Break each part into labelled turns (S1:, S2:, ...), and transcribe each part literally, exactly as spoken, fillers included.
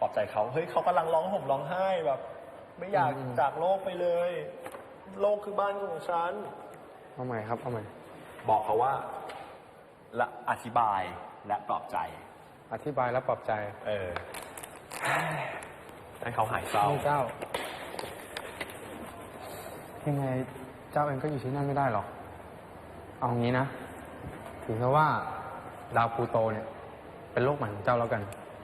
S1: อบใจเขาเฮ้ยเขากำลังร้องห่มร้องไห้แบบ ไม่อยากจากโลกไปเลย โลกคือบ้านของฉัน
S2: เอาใหม่ครับเอาใหม่
S1: บอกเขาว่าและอธิบายและปลอบใจ
S2: อธิบายและปลอบใจ
S1: เออให้เขาหายเศร้า
S2: เจ้ายังไงเจ้าเองก็อยู่ที่นั่นไม่ได้หรอกเอางี้นะถือซะว่าดาวพลูโตเนี่ยเป็นโลกใหม่ของเจ้าแล้วกัน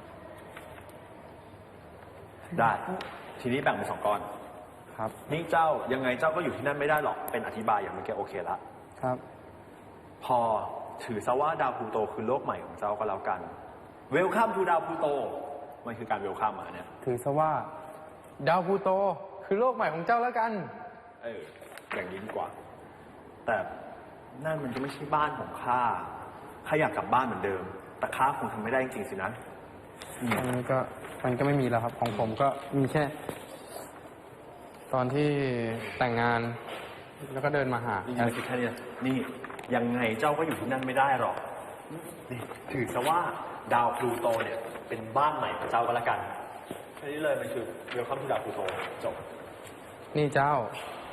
S1: ได้ทีนี้แบ่งเป็นสองก้อน
S2: ครับ
S1: นี่เจ้ายังไงเจ้าก็อยู่ที่นั่นไม่ได้หรอกเป็นอธิบายอย่างเมื่อกี้โอเคละ
S2: ครับ
S1: พอถือซะว่าดาวพลูโตคือโลกใหม่ของเจ้าก็แล้วกันเวลคัมทูดาวพลูโตมันคือการเวลคัมอ่ะเนี่ย
S2: ถือซะว่าดาวพลูโตคือโลกใหม่ของเจ้าแล้วกัน
S1: เอออย่างนี้ดีกว่าแต่นั่นมันก็ไม่ใช่บ้านของข้าข้าอยากกลับบ้านเหมือนเดิมแต่ข้าคงทำไม่ได้จริงๆสินะ
S2: มันก็มันก็ไม่มีแล้วครับของผมก็มีแค่ตอนที่แต่งงานแล้วก็เดินมาหา
S1: นี่คือแค่นี้นี่ยังไงเจ้าก็อยู่ที่นั่นไม่ได้หรอกนี่ถือซะว่าดาวพลูโตเนี่ยเป็นบ้านใหม่ของเจ้าก็แล้วกันแค่นี้เลยมันคือเวลคัมทูดาวพลูโตจบ
S2: นี่เจ้า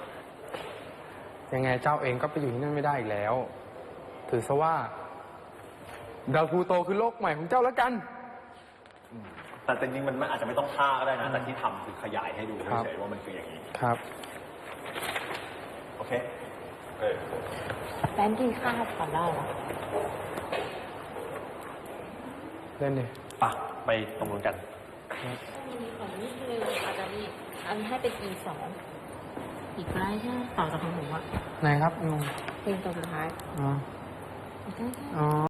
S2: ยังไงเจ้าเองก็ไปอยู่ที่นั่นไม่ได้อีกแล้วถือซะว่าดาวพลูโตคือโลกใหม่ของเจ้าแล้วกัน
S1: แต่จริงๆมันอาจจะไม่ต้องฆ่าก็ได้นะแต่ที่ทำคือขยายให้ดูเฉยๆว่ามันคืออย่างนี้
S2: ครับ
S1: โอเคเออ
S3: แป้นกินข้าวก่อนได้หรอ
S2: เล่นดิ
S1: ป่ะไปตรงนู้นกัน
S3: มีของนิดนึงอาจจะมีอันให้เป็น อี สองอีกไลน์ใช่ไหมต่อจากของผมอะ
S2: ไหนครับ
S3: เพลงตัวสุดท้าย
S2: อ๋อ
S3: ใช่ใช่
S2: อ๋อ